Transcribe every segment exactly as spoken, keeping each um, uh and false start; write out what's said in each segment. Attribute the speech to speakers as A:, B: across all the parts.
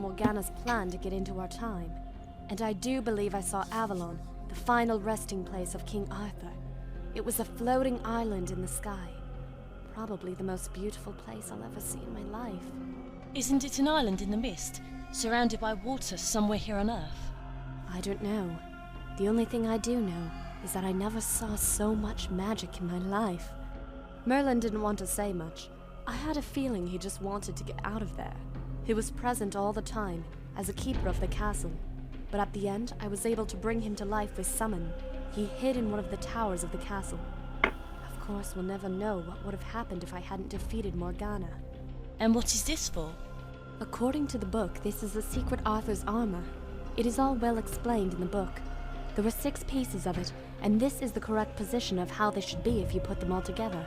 A: Morgana's plan to get into our time. And I do believe I saw Avalon, the final resting place of King Arthur. It was a floating island in the sky. Probably the most beautiful place I'll ever see in my life.
B: Isn't it an island in the mist, surrounded by water somewhere here on Earth?
A: I don't know. The only thing I do know is that I never saw so much magic in my life. Merlin didn't want to say much. I had a feeling he just wanted to get out of there. He was present all the time, as a keeper of the castle. But at the end, I was able to bring him to life with summon. He hid in one of the towers of the castle. Of course, we'll never know what would have happened if I hadn't defeated Morgana.
B: And what is this for?
A: According to the book, this is the secret Arthur's armor. It is all well explained in the book. There were six pieces of it, and this is the correct position of how they should be if you put them all together.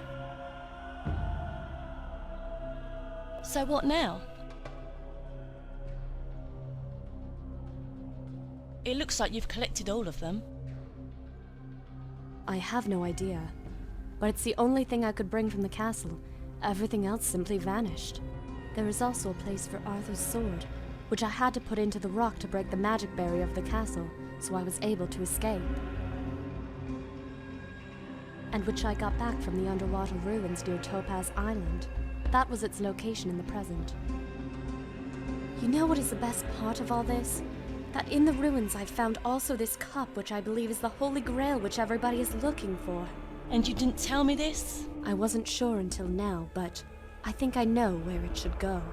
B: So what now? It looks like you've collected all of them.
A: I have no idea. But it's the only thing I could bring from the castle. Everything else simply vanished. There is also a place for Arthur's sword, which I had to put into the rock to break the magic barrier of the castle, so I was able to escape. And which I got back from the underwater ruins near Topaz Island. That was its location in the present. You know what is the best part of all this? That in the ruins I found also this cup, which I believe is the Holy Grail which everybody is looking for.
B: And you didn't tell me this?
A: I wasn't sure until now, but I think I know where it should go.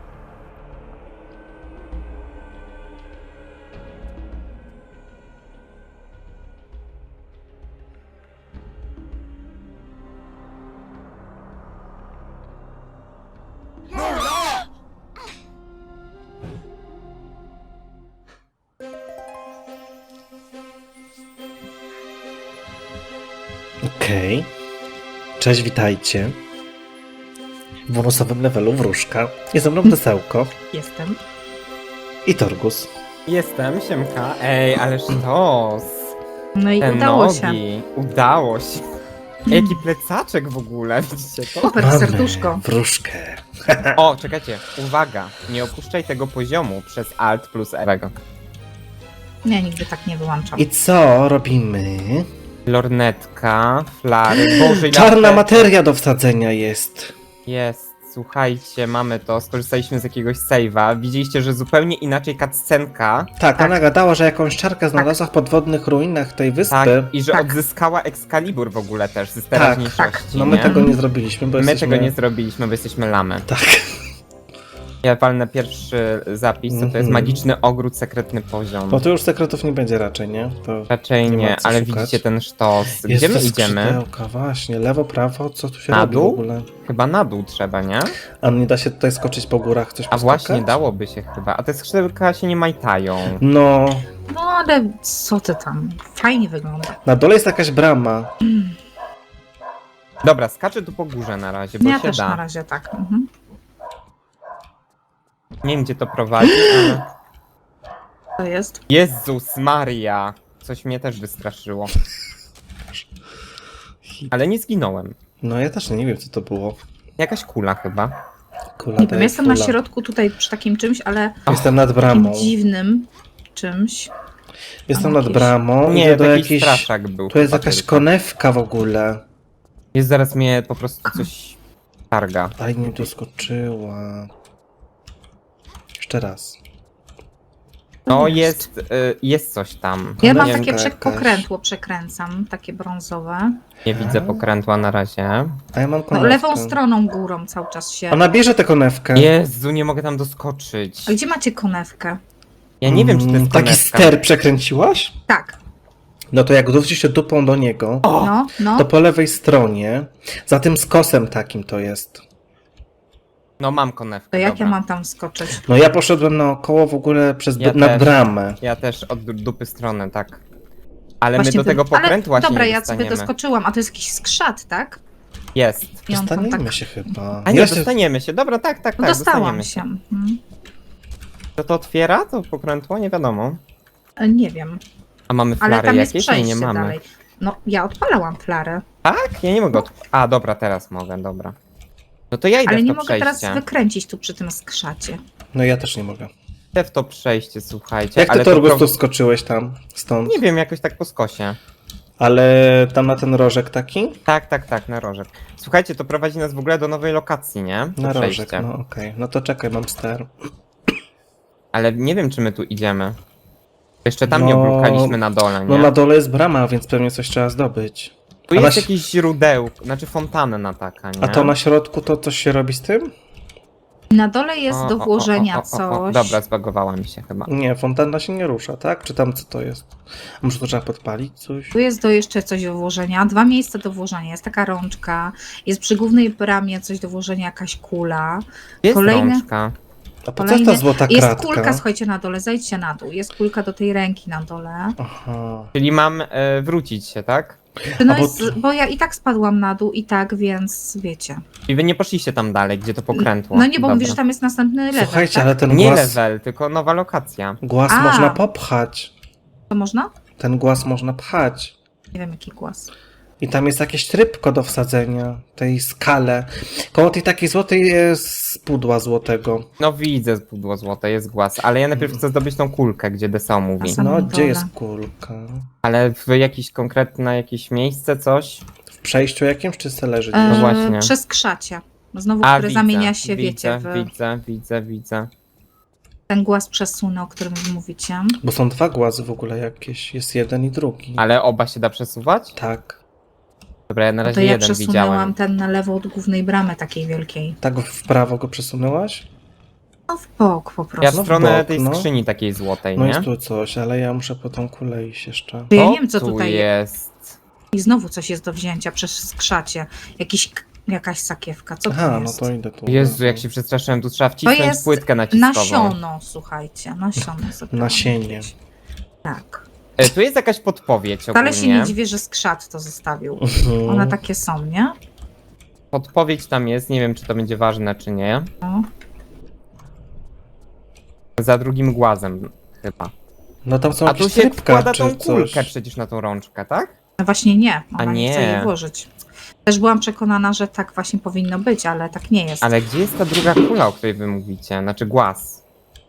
C: Okej. Okay. Cześć, witajcie. W bonusowym levelu Wróżka. Jest ze mną Desełko.
D: Jestem.
C: I Torgus.
E: Jestem, siemka. Ej, ale sztos.
D: No i
E: Te
D: udało
E: nogi.
D: się.
E: Udało się. Jaki plecaczek w ogóle, widzicie to?
D: Super,
C: Mamy
D: serduszko.
C: Wróżkę.
E: O, czekajcie, uwaga. Nie opuszczaj tego poziomu przez Alt plus Ewego.
D: Nie, nigdy tak nie wyłączam.
C: I co robimy?
E: Lornetka, flary, boże ile
C: Czarna
E: apteczek.
C: materia do wsadzenia jest.
E: Jest, słuchajcie, mamy to. Skorzystaliśmy z jakiegoś save'a. Widzieliście, że zupełnie inaczej cutscenka.
C: Tak,
D: Tak.
C: ona gadała, że jakąś czarkę znalazła w podwodnych ruinach tej wyspy.
E: Tak, i że
D: Tak.
E: odzyskała Excalibur w ogóle też z teraźniejszości.
D: tak.
C: No my
E: nie?
C: tego nie zrobiliśmy, bo
E: My
C: jesteśmy...
E: tego nie zrobiliśmy, bo jesteśmy lamy.
C: Tak.
E: Ja walnę pierwszy zapis, to, to jest
C: Mhm.
E: magiczny ogród, sekretny poziom.
C: Bo tu już sekretów nie będzie raczej, nie? To
E: Raczej
C: nie ma
E: nie,
C: co
E: ale
C: szukać.
E: widzicie ten sztos. Gdzie
C: jest
E: my
C: to
E: idziemy?
C: skrzydełka, właśnie. Lewo, prawo, co tu się
E: Na
C: robi
E: dół?
C: w ogóle?
E: Chyba na dół trzeba, nie?
C: A nie da się tutaj skoczyć po górach, coś
E: A
C: poskakać?
E: właśnie, dałoby się chyba. A te skrzydełka się nie majtają.
C: No,
D: No ale co ty tam? Fajnie wygląda.
C: na dole jest jakaś brama.
E: Dobra, skaczę tu po górze na razie, bo
D: Ja
E: się
D: też
E: da.
D: na razie tak. Mhm.
E: Nie wiem, gdzie to prowadzi, ale...
D: To jest.
E: Jezus Maria! Coś mnie też wystraszyło. Ale nie zginąłem.
C: No ja też nie wiem, co to było.
E: Jakaś kula chyba.
C: Kula
D: Nie wiem,
C: daje
D: jestem na
C: kula.
D: środku tutaj przy takim czymś, ale
C: Jestem nad
D: takim
C: bramą.
D: dziwnym czymś.
C: Jestem
D: Tam
C: nad
D: jakieś-
C: bramą.
E: Nie,
C: Idę do
E: taki
C: jakiejś...
E: straszak był.
C: Tu jest
E: chyba
C: jakaś
E: tylko.
C: konewka w ogóle.
E: Jest, zaraz mnie po prostu coś targa.
C: Aj, nie doskoczyła. Jeszcze raz.
E: No jest, y, jest coś tam.
D: Ja mam
E: nie,
D: takie
C: jakaś.
D: prze- pokrętło, przekręcam, takie brązowe.
E: nie widzę pokrętła na razie.
C: A ja mam
D: No,
C: konewkę.
D: lewą stroną górą cały czas się.
C: Ona bierze tę konewkę.
E: Jezu, nie mogę tam doskoczyć.
D: A gdzie macie konewkę?
E: Ja nie wiem, czy to
C: Mm,
E: jest
C: Taki
E: konewka.
C: ster przekręciłaś?
D: Tak.
C: No to jak wrócisz się dupą do niego,
D: No, no.
C: to po lewej stronie, za tym skosem takim to jest.
E: No mam konewkę,
D: To jak
E: dobra.
D: ja mam tam skoczyć?
C: No ja poszedłem naokoło w ogóle przez
E: Ja
C: nad
E: też.
C: bramę.
E: Ja też od du- dupy strony, tak. Ale
D: Właśnie
E: my do
D: wy-
E: tego pokrętła
D: Ale
E: się
D: dobra,
E: nie
D: ja sobie
E: dostaniemy.
D: doskoczyłam, a to jest jakiś skrzat, tak?
E: Jest.
D: I on tam
C: Dostaniemy
D: tak...
C: się chyba.
E: A nie,
C: Ja się-
E: dostaniemy się. Dobra, tak, tak,
D: No
E: tak,
D: dostałam
E: dostaniemy
D: się. Mhm.
E: To to otwiera, to pokrętło? Nie wiadomo.
D: E, Nie wiem,
E: A mamy
D: ale
E: flary
D: tam jest
E: jakieś? Nie,
D: przejście
E: nie mamy.
D: dalej. No, ja odpalałam flarę,
E: Tak? Ja nie mogę od... A, dobra, teraz mogę, dobra. No to ja idę
D: ale
E: w
D: nie
E: to
D: mogę
E: przejście.
D: teraz wykręcić tu przy tym skrzacie.
C: No ja też nie mogę.
E: Te w to przejście, słuchajcie.
C: Jak ty
E: ale
C: to, Torgus,
E: pro-
C: tu skoczyłeś tam, stąd?
E: Nie wiem, jakoś tak po skosie.
C: Ale tam na ten rożek taki?
E: Tak, tak, tak, na rożek. Słuchajcie, to prowadzi nas w ogóle do nowej lokacji, nie? To
C: Na rożek,
E: przejście.
C: no okej. No to czekaj, mam ster.
E: Ale nie wiem, czy my tu idziemy. Jeszcze tam nie
C: No-
E: obrukaliśmy na dole, nie?
C: No na dole jest brama, więc pewnie coś trzeba zdobyć.
E: Tu
C: a
E: jest
C: na-
E: jakieś źródełko, znaczy fontanna taka, nie?
C: A to na środku to coś się robi z tym?
D: Na dole jest
E: O,
D: do
E: o, o,
D: włożenia
E: o, o, o, o.
D: coś.
E: Dobra, zbagowała mi się chyba.
C: Nie, fontanna się nie rusza, tak? Czy tam co to jest? A może to trzeba podpalić coś?
D: Tu jest do jeszcze coś do włożenia, dwa miejsca do włożenia. Jest taka rączka, jest przy głównej bramie coś do włożenia, jakaś kula.
E: Gdzie jest
D: Kolejne-
E: rączka?
C: A po co jest
D: Kolejne...
C: ta złota
D: Jest
C: kratka?
D: kulka, słuchajcie, na dole, zejdźcie na dół. Jest kulka do tej ręki na dole.
C: Aha.
E: Czyli mam e, wrócić się, tak?
D: No
C: A bo-
D: jest, bo ja i tak spadłam na dół i tak, więc wiecie.
E: I wy nie poszliście tam dalej, gdzie to pokrętło.
D: No nie, bo
E: Dobra.
D: mówisz, że tam jest następny level,
C: Słuchajcie,
D: tak?
C: ale ten
E: Nie
C: głaz,
E: level, tylko nowa lokacja.
C: głaz
D: A.
C: można popchać.
D: To można?
C: Ten głaz można pchać.
D: Nie wiem, jaki głos.
C: I tam jest jakieś trybko do wsadzenia, tej skale. Koło tej takiej złotej jest pudła złotego.
E: No widzę pudło złote, jest głaz, ale ja najpierw chcę zdobyć tą kulkę, gdzie Desao mówi.
D: A sam-
C: No,
D: Samą
C: gdzie
D: dole.
C: jest kulka?
E: Ale w jakieś konkretne jakieś miejsce, coś?
C: W przejściu jakimś, czy se leży
D: E,
C: gdzieś?
E: No właśnie.
D: Przez krzacie. Znowu,
E: A,
D: które
E: widzę,
D: zamienia się,
E: widzę,
D: wiecie, w
E: widzę, widzę, widzę.
D: ten głaz przesunął, o którym wy mówicie.
C: Bo są dwa głazy w ogóle jakieś. Jest jeden i drugi.
E: Ale oba się da przesuwać?
C: Tak.
E: Dobra, ja na
D: No
E: razie
D: to ja
E: jeden
D: przesunęłam
E: widziałem.
D: ten na lewo od głównej bramy takiej wielkiej.
C: Tak w prawo go przesunęłaś?
D: No w bok po
E: Ja
D: prostu.
E: w
C: No w
E: stronę
C: bok,
E: tej
C: no.
E: skrzyni takiej złotej,
C: No
E: nie?
C: jest tu coś, ale ja muszę po tą kulę iść jeszcze.
D: Ja
E: To
D: nie wiem, co
E: tu
D: tutaj jest.
E: jest.
D: I znowu coś jest do wzięcia przez skrzacie. Jakiś, k- jakaś sakiewka. Co to
C: Aha, no
D: jest?
C: to idę tu.
E: Jezu, jak się przestraszyłem, tu trzeba wcisnąć
D: jest
E: płytkę naciskową.
D: Nasiono, słuchajcie. Nasiono sobie.
C: Nasienie.
D: Tak.
E: E, Tu jest jakaś podpowiedź
D: Wcale się
E: ogólnie.
D: nie dziwię, że skrzat to zostawił.
C: Mhm.
D: One takie są, nie?
E: Podpowiedź tam jest, nie wiem czy to będzie ważne czy nie.
D: No.
E: Za drugim głazem chyba.
C: No tam są
E: A tu
C: jakieś
E: się
C: trybka,
E: wkłada
C: czy
E: tą kulkę
C: coś.
E: przecież na tą rączkę, tak?
D: No właśnie nie. Ona
E: A
D: nie.
E: nie.
D: chce jej włożyć. Też byłam przekonana, że tak właśnie powinno być, ale tak nie jest.
E: Ale gdzie jest ta druga kula, o której wy mówicie? Znaczy głaz.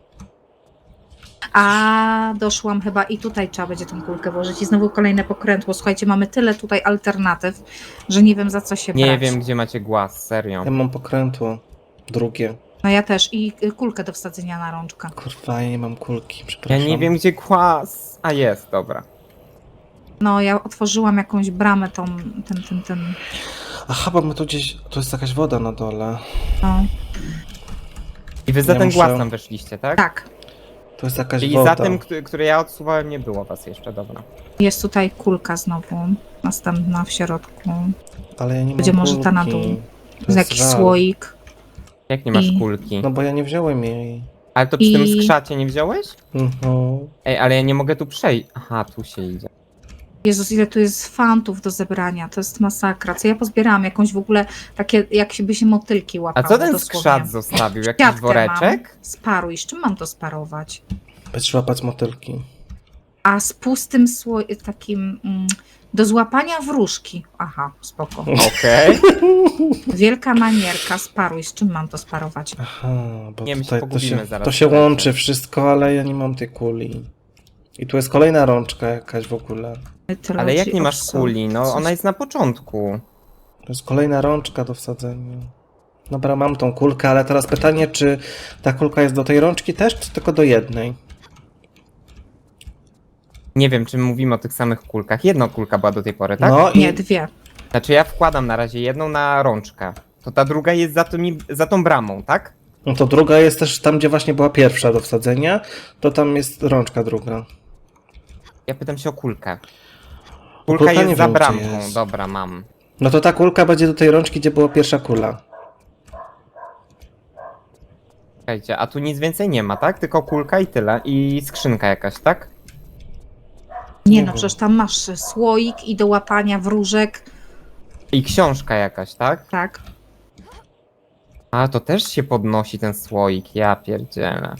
D: A doszłam chyba i tutaj trzeba będzie tą kulkę włożyć. I znowu kolejne pokrętło. Słuchajcie, mamy tyle tutaj alternatyw, że nie wiem za co się
E: Nie
D: brać.
E: wiem gdzie macie głaz, serio.
C: Ja mam pokrętło. Drugie.
D: No ja też. I y, kulkę do wsadzenia na rączkę.
C: Kurwa, ja nie mam kulki,
E: Ja
C: przepraszam.
E: nie wiem gdzie głaz. A jest, dobra.
D: No ja otworzyłam jakąś bramę tą, ten, ten, ten,
C: Aha, bo my tu gdzieś... Tu jest jakaś woda na dole.
D: no.
E: I wy za
C: Ja
E: ten
C: muszę-
E: głaz tam weszliście, tak?
D: Tak.
C: Tu jest jakaś
E: Czyli
C: woda.
E: za tym, który, który ja odsuwałem, nie było was jeszcze, dobra.
D: Jest tutaj kulka znowu. Następna w środku.
C: Ale ja nie
D: Będzie
C: mam
D: może
C: kulki.
D: ta na dół.
C: To
D: Jest
C: jest
D: jakiś
C: żal.
D: słoik.
E: Jak nie masz
D: I-
E: kulki?
C: No bo ja nie wziąłem jej.
E: Ale to przy tym
D: i-
E: skrzacie nie wziąłeś?
C: Mhm.
E: Ej, ale ja nie mogę tu przejść. Aha, tu się idzie.
D: Jezus, ile tu jest fantów do zebrania. To jest masakra. Co ja pozbierałam? Jakąś w ogóle takie, jak się by się motylki
E: A
D: łapało
E: co ten
D: dosłownie.
E: skrzat zostawił? Jakiś
D: Siatkę
E: woreczek?
D: Mam. Sparuj. Z czym mam to sparować?
C: Będziesz łapać motylki.
D: A z pustym sło... takim... Mm, do złapania wróżki. Aha, spoko.
E: Okej.
D: Wielka manierka. Sparuj. Z czym mam to sparować?
C: Aha, bo
E: Nie, my się
C: tutaj to
E: pogubimy
C: się,
E: zaraz,
C: to się
E: słuchajcie.
C: łączy wszystko, ale ja nie mam tej kuli. I tu jest kolejna rączka jakaś w ogóle.
E: Ale jak nie masz
D: Obsług.
E: kuli? No
D: Coś-
E: ona jest na początku.
C: To jest kolejna rączka do wsadzenia. Dobra, mam tą kulkę, ale teraz pytanie, czy ta kulka jest do tej rączki też, czy tylko do jednej?
E: Nie wiem, czy mówimy o tych samych kulkach. Jedna kulka była do tej pory, tak?
C: No i
D: Nie, dwie.
E: Znaczy ja wkładam na razie jedną na rączkę. To ta druga jest za, tymi, za tą bramą, tak?
C: no to druga jest też tam, gdzie właśnie była pierwsza do wsadzenia, to tam jest rączka druga.
E: Ja pytam się o kulkę.
C: Kulka
E: Kulka
C: nie
E: jest za
C: wiem, gdzie
E: bramką.
C: jest.
E: Dobra, mam.
C: No to ta kulka będzie do tej rączki, gdzie była pierwsza kula.
E: Czekajcie, a tu nic więcej nie ma, tak? Tylko kulka i tyle. I skrzynka jakaś, tak?
D: Nie
C: Nie
D: no,
C: wiem.
D: przecież tam masz słoik i do łapania wróżek.
E: I książka jakaś, tak?
D: Tak.
E: A, to też się podnosi ten słoik, ja pierdzielę.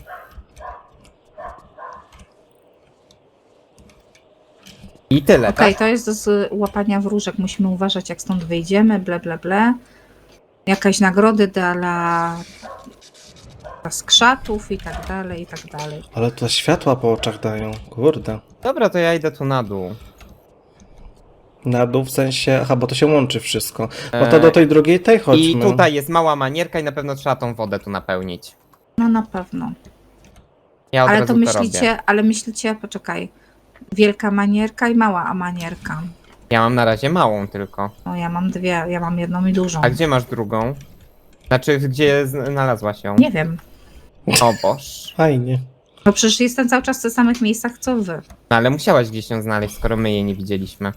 E: I tyle,
D: Okej,
E: tak?
D: to jest do z łapania wróżek. Musimy uważać, jak stąd wyjdziemy, ble, ble, ble. Jakaś nagrody dla z krzatów i tak dalej, i tak dalej.
C: Ale to światła po oczach dają, kurde.
E: Dobra, to ja idę tu na dół.
C: Na dół w sensie, aha, bo to się łączy wszystko. No to
E: Eee,
C: do tej drugiej tej chodźmy.
E: I tutaj jest mała manierka i na pewno trzeba tą wodę tu napełnić.
D: No na pewno.
E: Ja od
D: Ale
E: razu
D: to
E: to
D: myślicie,
E: robię.
D: ale myślicie, poczekaj. Wielka manierka i mała manierka.
E: Ja mam na razie małą tylko.
D: No ja mam dwie, ja mam jedną i dużą.
E: A gdzie masz drugą? Znaczy, gdzie znalazłaś ją?
D: Nie wiem.
E: O boż.
C: Fajnie.
D: No przecież jestem cały czas w tych samych miejscach co wy.
E: No ale musiałaś gdzieś ją znaleźć, skoro my jej nie widzieliśmy.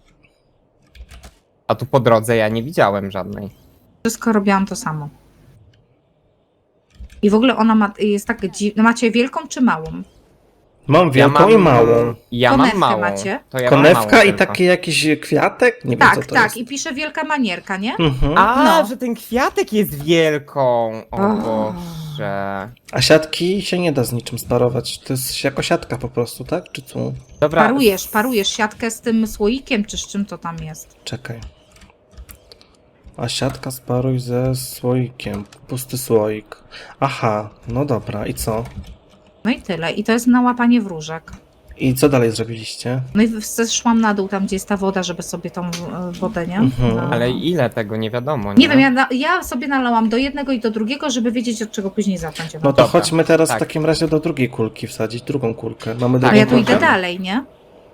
E: A tu po drodze ja nie widziałem żadnej.
D: Wszystko robiłam to samo. I w ogóle ona ma, jest tak dziwna. Macie wielką czy małą?
C: Mam wielką
E: ja mam,
C: i małą.
E: Ja
D: Konewkę
E: mam małą.
D: macie?
E: To ja mam
C: Konewka
E: małą
C: i
E: tylko.
C: taki jakiś kwiatek? Nie wiem
D: Tak,
C: co to
D: tak.
C: jest.
D: I pisze wielka manierka, nie?
C: Mhm.
E: A,
D: No.
E: że ten kwiatek jest wielką. O
D: O.
E: Boże.
C: A siatki się nie da z niczym sparować. To jest jako siatka po prostu, tak? Czy co?
E: Dobra.
D: Parujesz, parujesz siatkę z tym słoikiem, czy z czym to tam jest.
C: Czekaj. A siatka sparuj ze słoikiem. Pusty słoik. Aha, no dobra. I co?
D: No i tyle. I to jest na łapanie wróżek.
C: I co dalej zrobiliście?
D: No i zeszłam na dół, tam gdzie jest ta woda, żeby sobie tą e, wodę, nie?
C: Mhm.
D: No.
E: Ale ile tego nie wiadomo, nie?
D: Nie wiem, ja, na, ja sobie nalałam do jednego i do drugiego, żeby wiedzieć, od czego później zacząć.
C: No to
E: Dobra,
C: chodźmy teraz
E: tak.
C: w takim razie do drugiej kulki wsadzić, drugą kulkę. Mamy
D: A
C: drugą
D: ja tu
C: kulkę?
D: idę dalej, nie?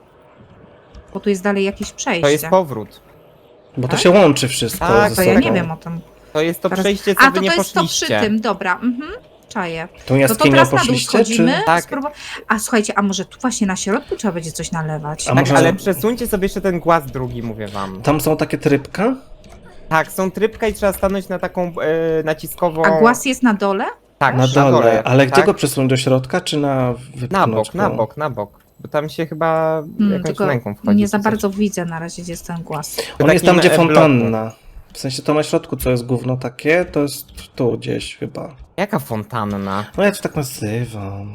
D: Bo tu jest dalej jakieś przejście.
E: To jest powrót.
C: Bo to
D: Tak?
C: się łączy wszystko
E: Tak,
C: ze
D: To
C: sobą.
D: ja nie wiem o tym.
E: To jest to
D: Teraz-
E: przejście, co
D: A,
E: wy
D: to
E: nie
D: to jest to
E: poszliście.
D: przy tym, dobra. Mhm. Czaję.
C: Tą
D: No to
C: jaskinią
D: teraz na dół
C: poszliście,
D: schodzimy.
C: czy...
E: Tak.
D: Spróbu- A słuchajcie, a może tu właśnie na środku trzeba będzie coś nalewać?
C: A
E: Tak,
C: może-
E: ale przesuńcie sobie jeszcze ten głaz drugi, mówię wam.
C: Tam są takie trybka?
E: Tak, są trybka i trzeba stanąć na taką e, naciskową...
D: A głaz jest na dole?
E: tak,
C: Na dole. Ale
E: tak?
C: gdzie go przesunąć? Do środka, czy na wypchnąć
E: Na bok,
C: go?
E: na bok, na bok. Bo tam się chyba
D: Hmm,
E: jakąś
D: tylko
E: ręką wchodzi.
D: nie za
E: czy coś.
D: bardzo widzę na razie, gdzie jest ten głaz.
C: On jest tam,
E: takim,
C: gdzie
E: e, bloku.
C: fontanna. W sensie to na środku, co jest gówno takie, to jest tu gdzieś chyba.
E: Jaka fontanna?
C: No ja to tak nazywam.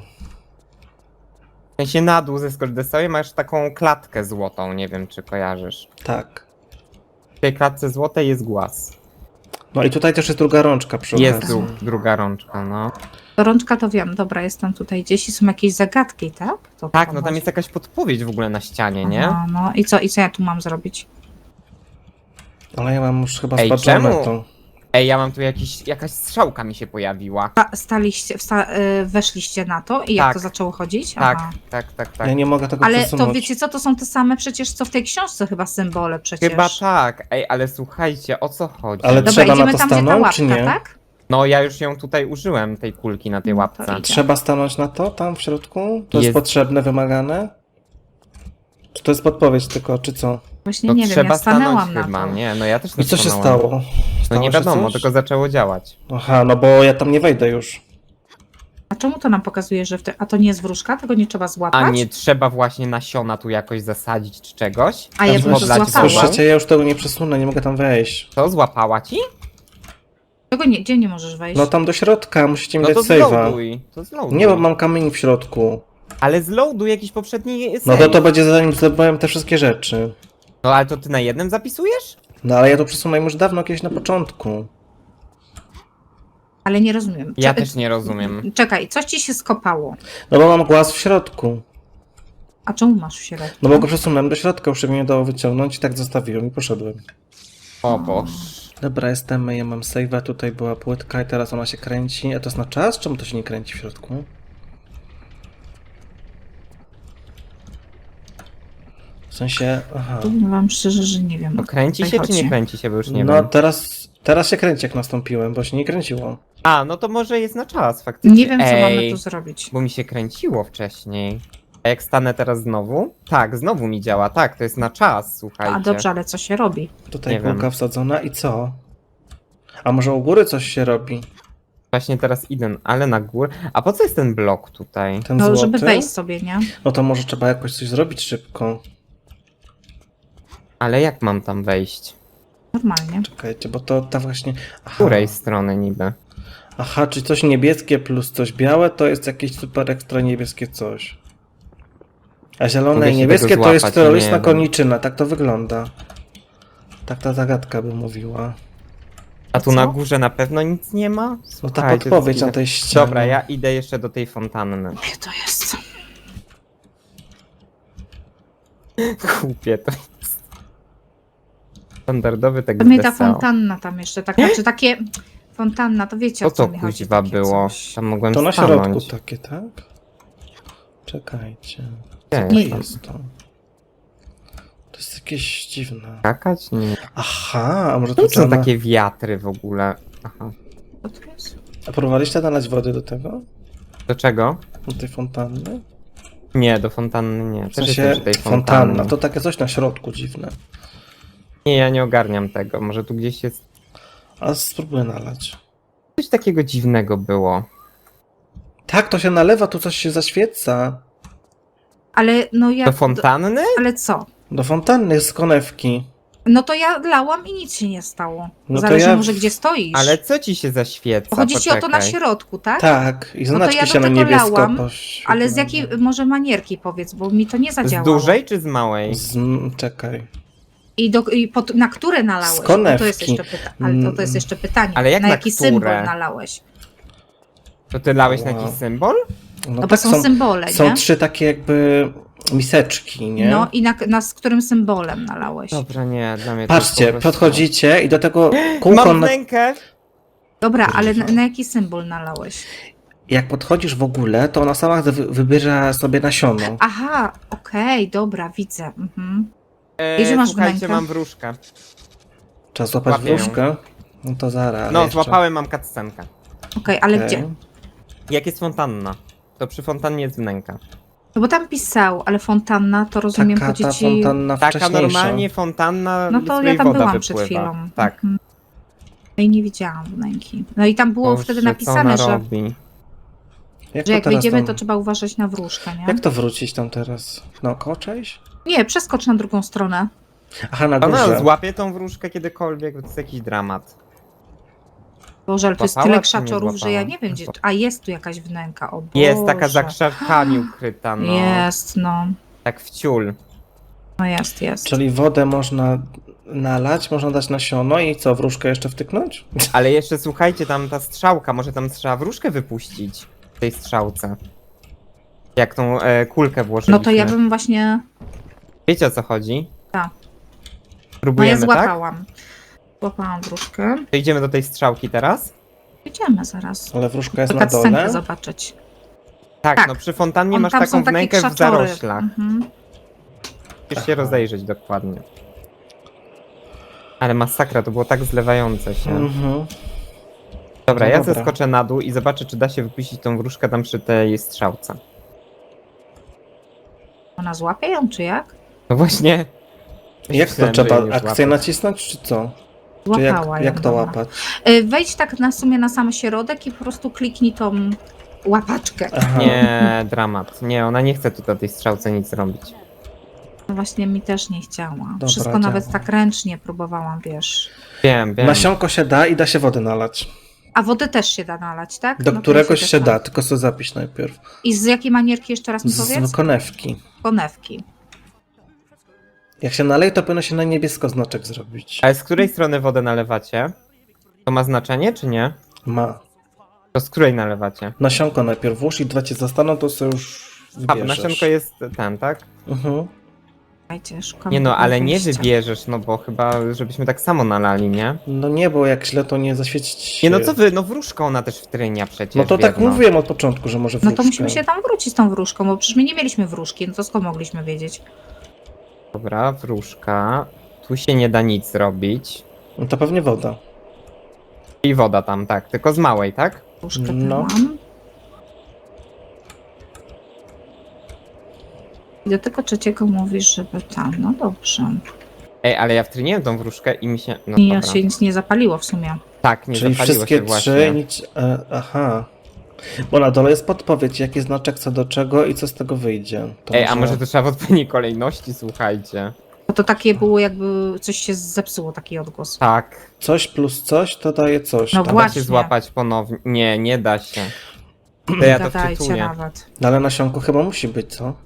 E: W sensie na dół ze skordesowej masz taką klatkę złotą, nie wiem czy kojarzysz.
C: Tak.
E: W tej klatce złotej jest głaz.
C: No i tutaj też jest druga rączka przy
E: Jest
C: okazji.
E: dru druga rączka, no.
D: Rączka to wiem, dobra, jestem tutaj gdzieś i są jakieś zagadki, tak? To
E: Tak,
D: tam
E: no tam
D: chodzi.
E: jest jakaś podpowiedź w ogóle na ścianie, nie?
D: No, no i co, i co ja tu mam zrobić?
C: Ale ja mam już chyba
E: Ej,
C: spaczone
E: czemu?
C: to.
E: Ej, ja mam tu jakiś, jakaś strzałka mi się pojawiła.
D: Sta- Staliście, wsta- y, weszliście na to i jak
E: Tak.
D: to zaczęło chodzić?
E: Tak,
D: Aha.
E: tak, tak, tak.
C: Ja nie mogę tego
D: Ale
C: przesunąć.
D: to wiecie co, to są te same przecież co w tej książce chyba symbole przecież.
E: Chyba tak. Ej, ale słuchajcie, o co chodzi?
C: Ale
D: Dobra,
C: trzeba na
D: idziemy
C: to
D: tam, gdzie ta
C: stanąć,
D: łapka,
C: czy nie?
D: tak?
E: No ja już ją tutaj użyłem, tej kulki na tej
D: No to
E: łapce.
D: idę.
C: Trzeba stanąć na to tam w środku? To jest,
E: Jest-
C: potrzebne, wymagane? Czy to jest podpowiedź tylko, czy co?
D: Właśnie
E: No
D: nie wiem,
E: trzeba
D: ja stanęłam
E: stanąć
D: na
E: chyba,
D: to.
E: nie, no ja też nie
C: I co się
E: stanąłem.
C: stało?
E: No
C: Stało
E: nie
C: się
E: wiadomo,
C: coś?
E: tylko zaczęło działać.
C: Aha, no bo ja tam nie wejdę już.
D: A czemu to nam pokazuje, że w te... A to nie jest wróżka? Tego nie trzeba złapać?
E: A nie trzeba właśnie nasiona tu jakoś zasadzić czy czegoś?
D: A ja
C: Tam
D: bym to
E: podlać
D: złapała.
E: wodą?
C: Słyszycie, ja już tego nie przesunę, nie mogę tam wejść.
E: To złapała ci?
D: Czego nie, gdzie nie możesz wejść?
C: No tam do środka, musicie mi
E: No
C: dać
E: to
C: save'a.
E: zloaduj. To zloaduj.
C: Nie, bo mam kamień w środku.
E: Ale zloaduj jakiś poprzedni
C: No
E: save.
C: to to będzie zanim zdobyłem te wszystkie rzeczy.
E: No ale to ty na jednym zapisujesz?
C: No ale ja to przesunąłem już dawno, kiedyś na początku.
D: Ale nie rozumiem.
E: Ja
D: Cze-
E: też nie rozumiem.
D: Czekaj, coś ci się skopało.
C: No bo mam głaz w środku.
D: A czemu masz w środku?
C: No bo go przesunąłem do środka, już się mnie nie dało wyciągnąć i tak zostawiłem i poszedłem.
E: O boż.
C: Dobra, jestem, ja mam save'a, tutaj była płytka i teraz ona się kręci. A to jest na czas? Czemu to się nie kręci w środku? W sensie, aha.
D: Powiem wam szczerze, że nie wiem.
E: No kręci
D: Tutaj
E: się czy nie
D: chodzi.
E: kręci się, bo już nie
C: No
E: wiem.
C: teraz, teraz się kręci jak nastąpiłem, bo się nie kręciło.
E: A, no to może jest na czas faktycznie.
D: Nie wiem, co
E: Ej,
D: mamy tu zrobić.
E: bo mi się kręciło wcześniej. A jak stanę teraz znowu? Tak, znowu mi działa, tak, to jest na czas, słuchajcie.
D: A dobrze, ale co się robi?
C: Tutaj
E: Nie
C: kulka
E: wiem.
C: wsadzona i co? A może u góry coś się robi?
E: Właśnie teraz idę, ale na górę. A po co jest ten blok tutaj?
C: Ten
D: No,
C: złoty?
D: żeby wejść sobie, nie?
C: No to może trzeba jakoś coś zrobić szybko.
E: Ale jak mam tam wejść?
D: Normalnie.
C: Czekajcie, bo to ta właśnie...
E: Z
C: Aha,
E: której strony niby?
C: aha, czy coś niebieskie plus coś białe to jest jakieś super ekstra niebieskie coś. A zielone
E: Mogę
C: i
E: się
C: niebieskie
E: tego
C: to jest
E: złapać,
C: terrorystna
E: nie wiem.
C: koniczyna, tak to wygląda. Tak ta zagadka by mówiła.
E: A tu
D: Co?
E: na górze na pewno nic nie ma?
C: No ta
E: Słuchajcie,
C: podpowiedź
E: to
C: na tej ścianie.
E: Dobra, ja idę jeszcze do tej fontanny.
D: Gdzie to jest?
E: Kupię to jest. Standardowy tekst
D: To mnie ta
E: wesoły.
D: fontanna tam jeszcze, tak, znaczy takie... Fontanna, to wiecie
E: Co
D: o co
E: to
D: mi chodzi.
E: kuźwa
D: takie
E: było?
D: coś.
E: Tam mogłem
C: To na
E: stanąć.
C: środku takie, tak? Czekajcie.
E: Gdzie
C: Co to
E: jest?
C: jest to? To jest jakieś dziwne.
E: Skakać? Nie.
C: Aha, a może
E: To
C: to
E: są
C: trzeba...
E: takie wiatry w ogóle. Aha.
D: Co to jest?
C: A próbowaliście nalać wody do tego?
E: Do czego?
C: Do tej fontanny?
E: Nie, do fontanny nie.
C: W
E: Też
C: sensie
E: jestem przy tej
C: fontanna,
E: fontannie.
C: to takie coś na środku dziwne.
E: Nie, ja nie ogarniam tego. Może tu gdzieś jest...
C: A spróbuję nalać.
E: Coś takiego dziwnego było.
C: Tak, to się nalewa, tu coś się zaświeca.
D: Ale no ja...
E: Do fontanny?
D: Ale co?
C: Do fontanny z konewki.
D: No to ja lałam i nic się nie stało.
C: No to
D: Zależy
C: ja-
D: może gdzie stoisz.
E: Ale co ci się zaświeca?
D: Chodzi ci o to na
E: Poczekaj.
D: środku, tak?
C: Tak, i
D: No to
C: znaczki
D: ja do
C: się na
D: tego
C: niebiesko
D: lałam,
C: poś-
D: Ale z jakiej może manierki powiedz, bo mi to nie
E: Z
D: zadziałało.
E: dużej czy z małej?
C: Z, m, czekaj.
D: I, do, i pod, na które nalałeś?
C: Z
D: No to jest
C: konewki.
D: jeszcze pytanie. Ale to, to jest jeszcze pytanie.
E: Ale jak
D: na
E: na
D: jaki
E: które?
D: symbol nalałeś?
E: To ty lałeś na
C: Wow.
E: jakiś symbol?
C: No,
D: No
C: tak
D: bo są, symbole,
C: są
D: nie?
C: trzy takie jakby miseczki, nie?
D: No i na, na z którym symbolem nalałeś?
E: Dobra, nie, dla mnie to jest
C: Patrzcie,
E: po prostu...
C: podchodzicie i do tego kółko,
E: Mam
C: na...
E: rękę!
D: Dobra, ale na, na jaki symbol nalałeś?
C: jak podchodzisz w ogóle, to ona sama wy- wybierze sobie nasiono.
D: Aha, okej, dobra, widzę. Mhm.
E: E,
D: I że masz
E: słuchajcie,
D: wnękę?
E: mam wróżkę.
C: Trzeba złapać
E: Łapię ją.
C: wróżkę. No to zaraz.
E: No,
C: jeszcze.
E: złapałem, mam cutscenkę.
D: Okej, ale
C: Okej.
D: gdzie?
E: Jak jest fontanna? To przy fontannie jest wnęka.
D: No bo tam pisał, ale fontanna to rozumiem
C: Taka
D: chodzi
C: ta
D: ci...
C: fontanna
E: Taka
C: wcześniejsza.
E: normalnie fontanna,
D: No
E: z
D: to
E: której
D: ja tam
E: woda
D: byłam
E: wypływa.
D: przed chwilą.
E: Tak.
D: Mhm. No i nie widziałam wnęki. No i tam było
E: Boże,
D: wtedy
E: co
D: napisane,
E: ona
D: że,
E: robi?
C: Jak,
D: że
C: to
D: jak
C: teraz
D: wyjdziemy,
C: tam-
D: to trzeba uważać na wróżkę, nie?
C: Jak to wrócić tam teraz? Naokoło część?
D: Nie, przeskocz na drugą stronę.
C: Aha, na
E: Ona
C: górze.
E: złapie tą wróżkę kiedykolwiek, to jest jakiś dramat.
D: Boże, ale tu jest
E: Złapała,
D: tyle
E: czy nie
D: krzaczorów, że ja
E: złapała?
D: nie wiem gdzie... A jest tu jakaś wnęka, o Boże.
E: Jest taka za krzakami ukryta, no.
D: Jest, no.
E: Tak w ciul.
D: No jest, jest.
C: Czyli wodę można nalać, można dać nasiono i co, wróżkę jeszcze wtyknąć?
E: Ale jeszcze słuchajcie, tam ta strzałka, może tam trzeba wróżkę wypuścić w tej strzałce. Jak tą e, kulkę włożyliśmy.
D: No to ja bym właśnie...
E: Wiecie o co chodzi?
D: Tak. No ja
E: Próbujemy, tak?
D: złapałam. Złapałam wróżkę.
E: To idziemy do tej strzałki teraz?
D: Idziemy zaraz.
C: Ale wróżka jest
D: To
C: na dole.
D: cutscenkę zobaczyć.
E: Tak,
D: Tak.
E: no przy fontannie
D: On,
E: masz
D: tam
E: taką
D: są takie
E: wnękę w
D: krzaczory.
E: zaroślach.
D: Mhm.
E: Musisz się rozejrzeć dokładnie. Ale masakra, to było tak zlewające się.
C: Mhm.
E: Dobra,
C: No
E: ja
C: dobra.
E: zeskoczę na dół i zobaczę, czy da się wypuścić tą wróżkę tam przy tej strzałce.
D: Ona złapie ją, czy jak?
E: No właśnie.
C: Jak to
E: Myślałem, że
C: trzeba?
E: jej nie
C: Akcję
E: złapać.
C: nacisnąć, czy co? Czy jak,
D: Złapała ją.
C: jak to
D: dobra.
C: łapać?
D: Y, Wejdź tak na sumie na sam środek i po prostu kliknij tą łapaczkę.
C: Aha.
E: Nie, dramat. Nie, ona nie chce tu na tej strzałce nic robić.
D: No właśnie mi też nie chciała.
C: Dobra,
D: Wszystko
C: działa.
D: nawet tak ręcznie próbowałam, wiesz.
E: Wiem, wiem.
C: Nasionko się da i da się wody nalać.
D: A wodę też się da nalać, tak?
C: Do
D: No to
C: któregoś
D: też
C: się
D: da.
C: da, tylko sobie zapisz najpierw.
D: I z jakiej manierki jeszcze raz mi powiedz?
C: Z konewki.
D: Konewki.
C: Jak się naleje, to powinno się na niebiesko znaczek zrobić.
E: Ale z której strony wodę nalewacie? To ma znaczenie, czy nie?
C: Ma.
E: To z której nalewacie?
C: Nasionko najpierw włóż i dwa cię zastaną, to sobie już
E: A,
C: wybierzesz.
E: nasionko jest ten, tak?
C: Mhm.
D: Słuchajcie, szukam
E: Nie no, ale nie
D: wyjścia.
E: wybierzesz, no bo chyba, żebyśmy tak samo nalali, nie?
C: No nie, bo jak źle, to nie zaświecić się.
E: Nie no co wy, no wróżką ona też wtrynia przecież.
C: No to tak
E: biedno.
C: mówiłem od początku, że może
D: No
C: wróżkę.
D: to musimy się tam wrócić z tą wróżką, bo przecież my nie mieliśmy wróżki, no to skąd mogliśmy wiedzieć?
E: Dobra, wróżka. Tu się nie da nic zrobić.
C: No to pewnie woda.
E: I woda tam, tak, tylko z małej, tak?
D: Wróżkę
C: No.
D: dałam. I do tego trzeciego mówisz, żeby tam, no dobrze.
E: Ej, ale ja wtryniłem tą wróżkę i mi się... No
D: I ja
E: dobra.
D: się nic nie zapaliło w sumie.
E: Tak, nie
C: Czyli
E: zapaliło
C: wszystkie
E: się właśnie.
C: trzy, nic... E, aha. Bo na dole jest podpowiedź, jaki znaczek co do czego i co z tego wyjdzie. To
E: Ej, a może to trzeba w odpowiedniej kolejności, słuchajcie.
D: Bo to takie było jakby coś się zepsuło, taki odgłos.
E: Tak.
C: Coś plus coś, to daje coś.
D: No
C: tam.
E: Da się
D: Właśnie.
E: złapać ponownie. Nie, nie da się. To ja to
D: Gadajcie
E: wczytuję.
D: nawet.
C: No ale nasionko chyba musi być, co?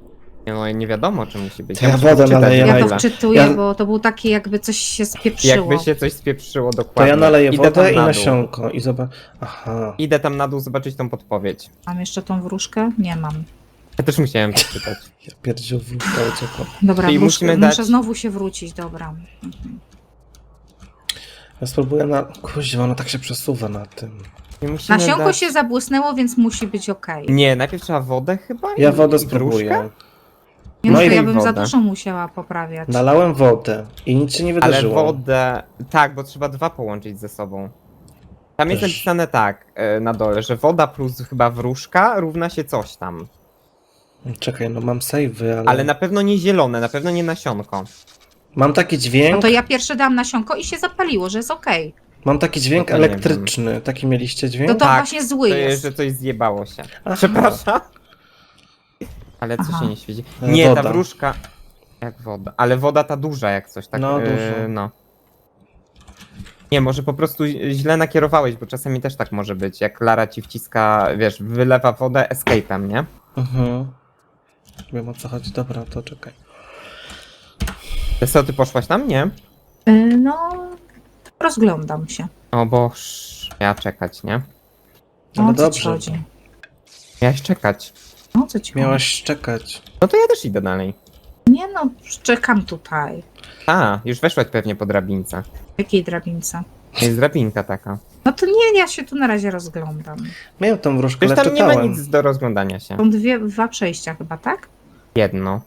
E: Nie, no nie wiadomo, czy musi być.
C: To ja
E: muszę
C: wodę
E: wczytać
C: naleję
E: w
D: Ja
C: Ej,
D: to
E: ogóle.
D: wczytuję,
C: ja-
D: bo to był taki jakby coś się spieprzyło.
E: Jakby się coś spieprzyło
C: To
E: dokładnie.
C: ja naleję
E: Idę
C: wodę
E: tam
C: i
E: na dół.
C: nasionko i zobacz. Aha.
E: Idę tam na dół zobaczyć tą podpowiedź.
D: Mam jeszcze tą wróżkę? Nie mam.
E: Ja też musiałem przeczytać.
C: Ja pierdził wróżka uciekła.
D: Dobra,
E: Czyli
D: wróżkę,
E: musimy
D: muszę
E: dać-
D: znowu się wrócić, dobra. Mhm.
C: Ja spróbuję na... Kuźwa, ona tak się przesuwa na tym.
E: I musimy
D: Nasionko
E: dać...
D: się zabłysnęło, więc musi być okej.
E: Nie, najpierw trzeba wodę chyba?
C: Ja
E: i-
C: wodę
E: i wróżkę?
C: spróbuję.
D: Nie
C: No
D: no,
C: i
D: to ja bym za
E: wodę.
D: dużo musiała poprawiać.
C: Nalałem wodę i nic się nie
E: Ale
C: wydarzyło.
E: wodę... Tak, bo trzeba dwa połączyć ze sobą. Tam jest
C: Też.
E: napisane tak, e, na dole, że woda plus chyba wróżka równa się coś tam.
C: Czekaj, no mam save'y, ale...
E: Ale na pewno nie zielone, na pewno nie nasionko.
C: Mam taki dźwięk,
D: No to ja pierwsze dałam nasionko i się zapaliło, że jest okej.
C: mam taki dźwięk
E: No to nie
C: elektryczny. Taki mieliście dźwięk?
D: To to
E: Tak,
D: właśnie zły
E: To jest,
D: jest.
E: że coś zjebało się.
C: Aha.
E: Przepraszam. Ale co
D: Aha.
E: się nie świeci?
C: E,
E: Nie,
C: woda.
E: ta wróżka... Jak woda. Ale woda ta duża jak coś, tak?
C: No,
E: e,
C: duża.
E: no. Nie, może po prostu źle nakierowałeś, bo czasami też tak może być. Jak Lara ci wciska, wiesz, wylewa wodę escape'em, nie?
C: Mhm. Wiem o co chodzi. Dobra, to czekaj.
E: Co, ty poszłaś tam? Nie?
D: Y, No, rozglądam się.
E: O boż, miała czekać, nie?
D: No,
C: Ale
D: o co ci
C: dobrze.
D: chodzi?
E: Miałaś czekać.
D: No, o co ci chodzi?
C: Miałaś czekać.
E: No to ja też idę dalej.
D: Nie no, czekam tutaj.
E: A, już weszłaś pewnie po drabince.
D: W jakiej drabince?
E: Jest drabinka taka.
D: No to nie, ja się tu na razie rozglądam.
C: Miałem tą wróżkę,
E: Przecież
C: ale
E: tam nie ma
C: czytałem.
E: nic do rozglądania się.
D: Są dwie, dwa przejścia chyba, tak?
E: Jedno.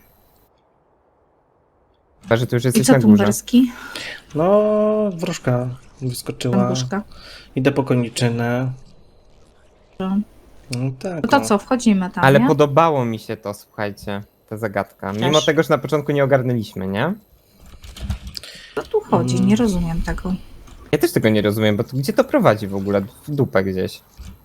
E: Chyba, że tu już
D: I
E: jesteś
D: co
E: na górze.
D: tumberski?
C: No, wróżka wyskoczyła.
D: Tumbuszka.
C: Idę po koniczynę.
D: No
C: No tak.
D: to
C: no.
D: co, wchodzimy tam,
E: Ale
D: nie?
E: podobało mi się to, słuchajcie, ta zagadka. Mimo
D: Też.
E: tego, że na początku nie ogarnęliśmy, nie?
D: Co tu chodzi?
C: Mm.
D: Nie rozumiem tego.
E: Ja też tego nie rozumiem, bo to, gdzie to prowadzi w ogóle? W dupę gdzieś.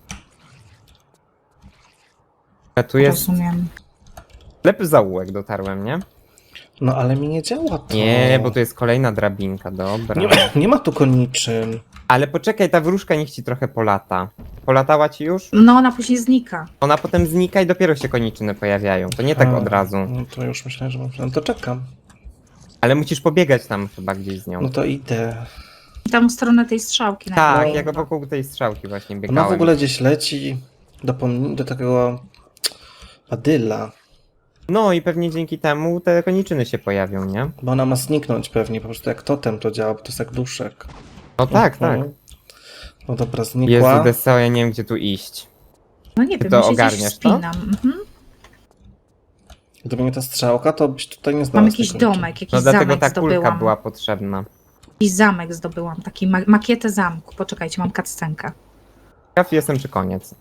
E: A tu jest
D: Rozumiem.
E: ślepy zaułek, dotarłem, nie?
C: No ale mi nie działa to.
E: Nie, bo tu jest kolejna drabinka, dobra.
C: Nie, nie ma tu koniczyn.
E: Ale poczekaj, ta wróżka niech ci trochę polata. Polatała ci już?
D: No ona później znika.
E: Ona potem znika i dopiero się koniczyny pojawiają. To nie tak
C: A,
E: od razu.
C: No to już myślałem, że mam... No to czekam.
E: Ale musisz pobiegać tam chyba gdzieś z nią.
C: No to idę.
D: Tam w stronę tej strzałki.
E: Tak,
D: najpierw.
E: jak wokół tej strzałki właśnie
C: Ona
E: biegałem.
C: w ogóle gdzieś leci do, pom- do takiego badyla.
E: No i pewnie dzięki temu te koniczyny się pojawią, nie?
C: Bo ona ma zniknąć pewnie, po prostu jak totem to działa, bo to jest jak duszek.
E: No tak, tak.
C: Mhm. No dobra, znikła.
E: Jezu, Deseo, ja nie wiem gdzie tu iść.
D: No nie
E: Ty
D: wiem,
E: to
D: ja się gdzieś
E: ogarniasz, to?
D: wspinam. Mhm.
C: Gdyby nie ta strzałka, to byś tutaj nie
D: Mam
C: znalazł.
D: jakiś
C: tej koniczyny.
D: domek, jakiś
E: No dlatego
D: zamek
E: ta kulka
D: zdobyłam.
E: była potrzebna.
D: Jakiś zamek zdobyłam, taki ma makietę zamku. Poczekajcie, mam cutscenkę.
E: Ciekaw jestem czy koniec.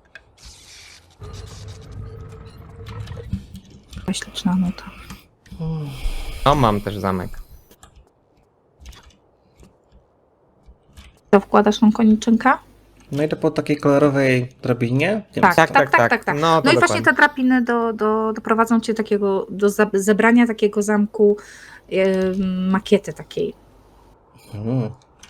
D: Śliczna nuta.
E: No mam też zamek.
D: To wkładasz tą koniczynkę?
C: No idę po takiej kolorowej drabinie. Wiem,
D: Tak,
C: co-
D: tak, tak, tak, tak, tak.
E: No, to
D: No i właśnie
E: dokładnie.
D: te drabiny do, do, doprowadzą cię takiego, do za- zebrania takiego zamku, e, makiety takiej.
C: Mhm.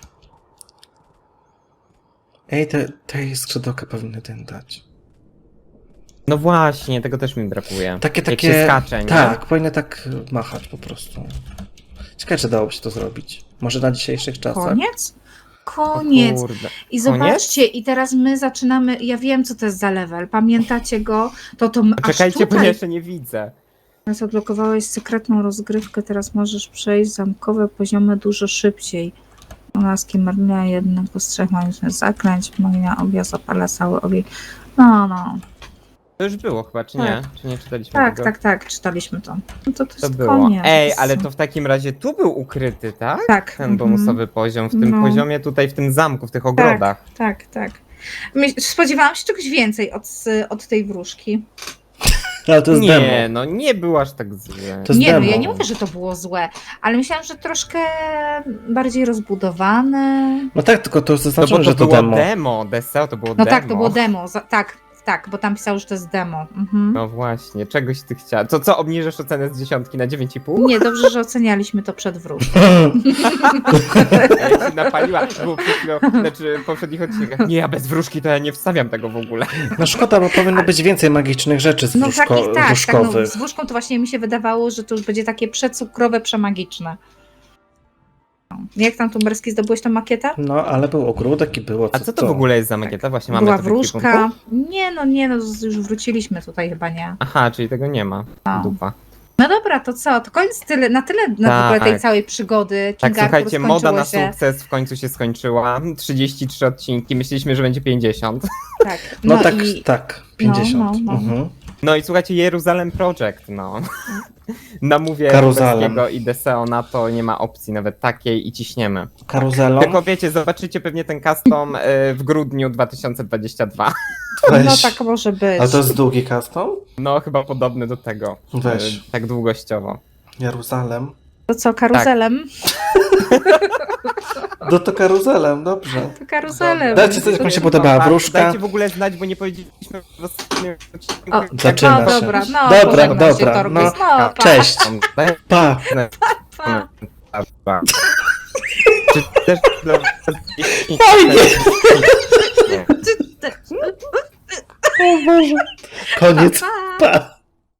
C: Ej, te, tej skrzydełka powinny ten dać.
E: No właśnie, tego też mi brakuje.
C: Takie,
E: Jak
C: takie...
E: się skacze, nie?
C: Tak, powinny tak machać po prostu. Ciekawe, czy dałoby się to zrobić. Może na dzisiejszych czasach?
D: Koniec?
E: O
D: Koniec.
E: kurde.
D: I zobaczcie, i teraz my zaczynamy, ja wiem co to jest za level, pamiętacie go? To to m- aż
E: Czekajcie, bo ja
D: tutaj
E: jeszcze nie widzę.
D: teraz odblokowałeś sekretną rozgrywkę, teraz możesz przejść zamkowe poziomy dużo szybciej. Laski marnia jednym po trzech magicznych zaklęć, magia objazd zapala cały ogień. No, no.
E: To już było chyba, czy
D: Tak.
E: nie? Czy nie czytaliśmy
D: Tak,
E: tego?
D: tak, tak, czytaliśmy to. No to to
E: To
D: jest
E: było.
D: koniec.
E: Ej, ale to w takim razie tu był ukryty, tak?
D: Tak.
E: Ten
D: mhm.
E: bonusowy poziom, w tym
D: No.
E: poziomie tutaj, w tym zamku, w tych ogrodach.
D: Tak, tak. My, spodziewałam się czegoś więcej od, od tej wróżki.
C: Ale to jest
E: nie,
C: demo.
E: no nie był aż tak zły.
C: To jest
D: Nie, no
C: demo.
D: ja nie mówię, że to było złe, ale myślałam, że troszkę bardziej rozbudowane.
C: No tak, tylko to
E: No
C: zaznaczone,
E: bo to
C: że to
E: było
C: demo.
E: demo, Deseo to było
D: No
E: demo.
D: tak, to było demo, za, tak, tak. tak, bo tam pisał, że to jest demo. Mhm.
E: No właśnie, czegoś ty chciała. To co, obniżasz ocenę z dziesiątki na dziewięć i pół?
D: Nie, dobrze, że ocenialiśmy to przed wróżką.
E: Ja się napaliła, było przed chwilą, znaczy w poprzednich odcinkach. Nie, ja bez wróżki to ja nie wstawiam tego w ogóle.
C: No szkoda, bo powinno być więcej magicznych rzeczy z
D: No
C: wróżko-
D: takich tak, tak
C: wróżkowych.
D: no, z wróżką to właśnie mi się wydawało, że to już będzie takie przecukrowe, przemagiczne. No. Jak tam Tumberski zdobyłeś tą makietę?
C: No, ale był ogródek i było co
E: A co to w ogóle jest za makieta? Właśnie mamy
D: Była
E: to w
D: wróżka.
E: ekwipunku?
D: Nie, no nie, no już wróciliśmy tutaj chyba, nie.
E: Aha, czyli tego nie ma.
D: No.
E: Dupa.
D: No dobra, to co? To koniec tyle, na tyle na w ogóle tej
E: Tak.
D: całej przygody.
E: Tak,
D: King Arthur
E: słuchajcie, moda na
D: skończyło się.
E: sukces w końcu się skończyła. trzydzieści trzy odcinki, myśleliśmy, że będzie pięćdziesiąt.
D: Tak.
C: No,
D: No,
C: tak,
D: i
C: tak, pięćdziesiąt.
D: no, no.
C: Mhm.
E: No i słuchajcie, Jeruzalem Project, no. Namówię
C: Karuzalem.
E: Tumberskiego i Deseo na to, nie ma opcji nawet takiej i ciśniemy.
C: Karuzelą.
E: Tylko wiecie, zobaczycie pewnie ten custom y, w grudniu dwa tysiące dwudziestym drugim.
C: Weź.
D: no tak może być.
C: Ale to jest długi custom?
E: No chyba podobny do tego.
C: Weź.
E: Y, tak długościowo.
C: Jeruzalem.
D: To co, karuzelem?
C: No to karuzelem, dobrze.
D: To karuzelem.
C: Dajcie coś, jak mi się podobała
E: A,
C: wróżka.
E: Dajcie w ogóle znać, bo nie powiedzieliśmy w ostatnim odcinku.
D: O,
E: jak-
C: zaczyna
D: no
C: się.
D: dobra, no
C: Dobra,
D: pożegnam
C: dobra,
D: się, Torgus.
C: no.
D: no pa.
C: Cześć.
E: Daj-
C: Pa.
D: Pa.
E: Pa. Czy też dla was
C: Fajnie.
D: Ty- ty-
C: Koniec.
D: pa.
C: Pa.